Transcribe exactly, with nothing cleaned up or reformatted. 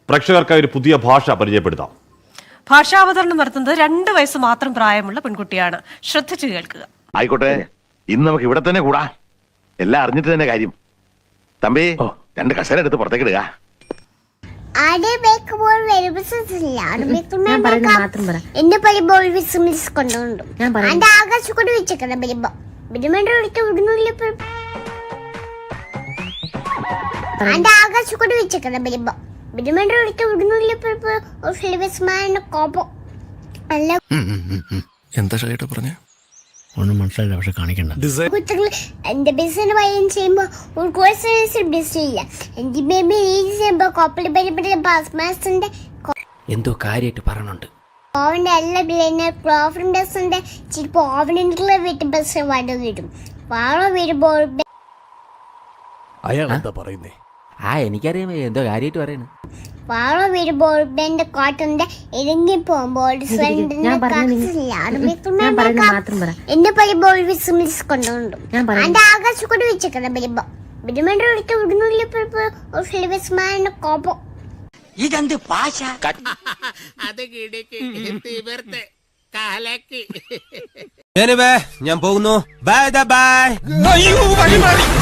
പ്രേക്ഷകർക്കായി ഒരു പുതിയ ഭാഷ പരിചയപ്പെടുത്താം. ഭാഷാവതരണം നടത്തുന്നത് രണ്ട് വയസ്സ് മാത്രം പ്രായമുള്ള പെൺകുട്ടിയാണ്. ശ്രദ്ധിച്ചു കേൾക്കുക. ആയിക്കോട്ടെ, ഇന്ന് നമുക്ക് ഇവിടെ തന്നെ കൂടാ. എല്ലാം അറിഞ്ഞിട്ട് തന്നെ കാര്യം. തമ്പി, രണ്ട് കസേര എടുത്ത് പുറത്തേക്ക് ഇടുക. എന്റെ പറയുമ്പോൾ കൊണ്ടുകൊണ്ടു എന്റെ ആകാശക്കൂടി വെച്ചേക്കണം. വരുമ്പോ എന്റെ ആകാശക്കൂടി വെച്ചേക്കണം. വരുമ്പോ എന്താ ഷൈട്ട പറഞ്ഞ ഒന്നും മനസ്സിലായില്ല, പക്ഷെ കാണിക്കണ്ട. എന്റെ ബിസിനസ് വൈൻ ചെയ്യുമ്പോ ഒരു കോഴ്സ് ഇല്ല. എന്റെ ബേബി ചെയ്യുമ്പോ കോപ്പളി പരിപാടി പാസ്മാസിന്റെ എന്തോ കാര്യമായിട്ട് പറഞ്ഞുണ്ട്. ഓവന്റെ എല്ലാ ബില്ലിന് ക്ലോഫറിന്റെ ചിലപ്പോ ഓവനുള്ള വീട്ടിൽ ബസ് വാടക വരും. വാഴ വരുമ്പോൾ അയാൾ എന്താ പറയുന്നേ? ആ എനിക്കറിയാം എന്തോ കാര്യമായിട്ട് പറയുന്നു. വാഴ വരുമ്പോൾ എന്റെ കോട്ടന്റെ ഇറങ്ങി പോകുമ്പോൾ എന്നെ പറയുമ്പോൾ കൊണ്ടുകൊണ്ടു എന്റെ ആകാശക്കൂടി വെച്ചേക്കണം. വരുമ്പോ കോപ്പം ഇതെന്ത് ഭാഷ? ഞാൻ പോകുന്നു. Bye by.